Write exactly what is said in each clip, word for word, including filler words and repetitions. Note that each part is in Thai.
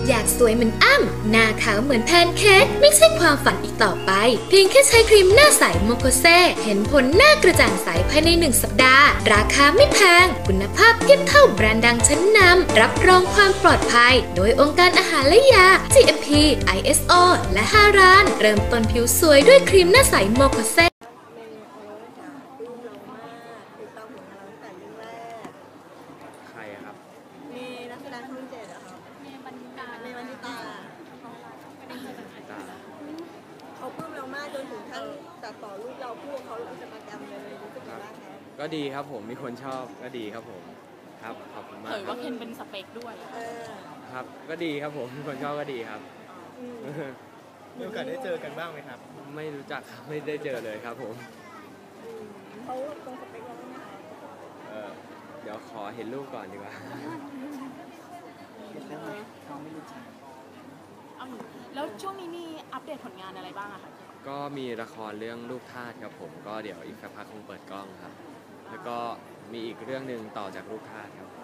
อยากสวยเหมือนอ้ำหน้าขาวเหมือนแพนเค้กไม่ใช่ความฝันอีกต่อไปเพียงแค่ใช้ครีมหน้าใสโมโคเซเห็นผลหน้ากระจ่างใสภายในหนึ่งสัปดาห์ราคาไม่แพงคุณภาพเทียบเท่าแบรนด์ดังชั้นนำรับรองความปลอดภัยโดยองค์การอาหารและยา จี เอ็ม พี ไอ เอส โอ และฮารานเริ่มต้นผิวสวยด้วยครีมหน้าใสโมโคเซใครครับมีนักแสดงช่องเจ็ดอะครับมีบรรดาในวันที่ตาเขาปลื้มเรามากจนถึงขั้นตัดต่อรูปเราพูดเขาลงอินสตาแกรมเลยรู้สึกยังไงบ้างครับก็ดีครับผมมีคนชอบก็ดีครับผมครับขอบคุณมากเผยว่าเคนเป็นสเปคด้วยครับก็ดีครับผมมีคนชอบก็ดีครับมีโอกาสได้เจอกันบ้างไหมครับไม่รู้จักครับไม่ได้เจอเลยครับผมเขาตรงสเปคเราไหมเออเดี๋ยวขอเห็นรูปก่อนดีกว่าแล้วช่วงนี้มีอัปเดตผลงานอะไรบ้างอะคะก็มีละครเรื่องลูกทาสครับผมก็เดี๋ยวอีกสักพักคงเปิดกล้องครับแล้วก็มีอีกเรื่องหนึ่งต่อจากลูกทาสครับ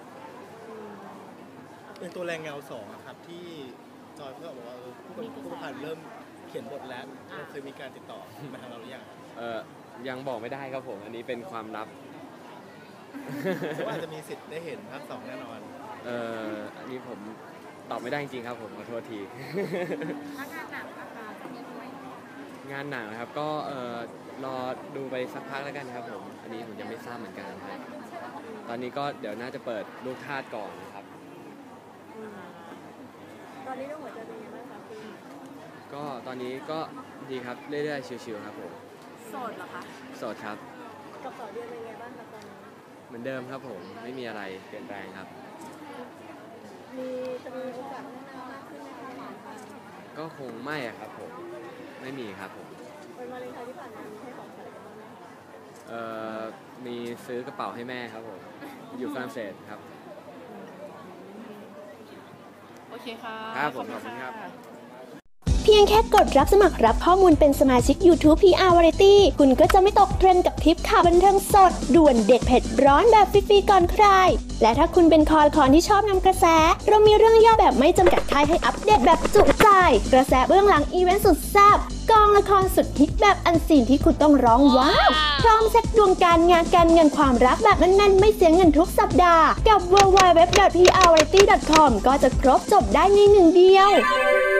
เป็นตัวแรงเงาสองครับที่จอยเพื่อบอกว่าผู้ผู้ประพันธ์เริ่มเขียนบทแล้วเคยมีการติดต่อมาทางเราหรือยังเออยังบอกไม่ได้ครับผมอันนี้เป็นความลับว่าจะมีสิทธิ์ได้เห็นภาคสองแน่นอนเอออันนี้ผมตอบไม่ได้จริงๆครับผมขอโทษทีงานหนังนะครับก็เออรอดูไปสักพักแล้วกันครับผมอันนี้ผมยังไม่ทราบเหมือนกันครับตอนนี้ก็เดี๋ยวน่าจะเปิดลูกทาสก่อนนะครับตอนนี้ต้องหัวใจเป็นยังไงบ้างคะพี่ก็ตอนนี้ก็ดีครับเรื่อยๆชิวๆครับผมโสดเหรอคะโสดครับกับต่อเดือนเป็นยังไงบ้างครับตอนนี้เหมือนเดิมครับผมไม่มีอะไรเปลี่ยนแปลงครับมีจะมีโอกาสพัฒนามากขึ้นในการผ่านไปก็คงไม่อะครับผมไม่มีครับผมวันวาเลนไทน์ที่ผ่านมามีให้ของขวัญอะไรบ้างไหมคะเอ่อมีซื้อกระเป๋าให้แม่ครับผมอยู่ฝรั่งเศสครับโอเคค่ะครับผมขอบคุณครับเพียงแค่กดรับสมัครรับข้อมูลเป็นสมาชิก YouTube พี อาร์ Variety คุณก็จะไม่ตกเทรนด์กับทริปข่าวบันเทิงสดด่วนเด็ดเผ็ดร้อนแบบฟรีๆก่อนใครและถ้าคุณเป็นคอละครที่ชอบนำกระแสเรามีเรื่องย่อแบบไม่จำกัดค่ายให้อัปเดตแบบจุใจกระแสเบื้องหลังอีเวนต์สุดแซ่บกองละครสุดฮิตแบบอันซีนที่คุณต้องร้องว้าวพร้อมเช็คดวงการงานการเงินความรักแบบแน่นๆไม่เสียเงินทุกสัปดาห์กับ ดับเบิลยู ดับเบิลยู ดับเบิลยู ดอท พี อาร์ วาไรตี้ ดอท คอม ก็จะครบจบได้ในหนึ่งเดียว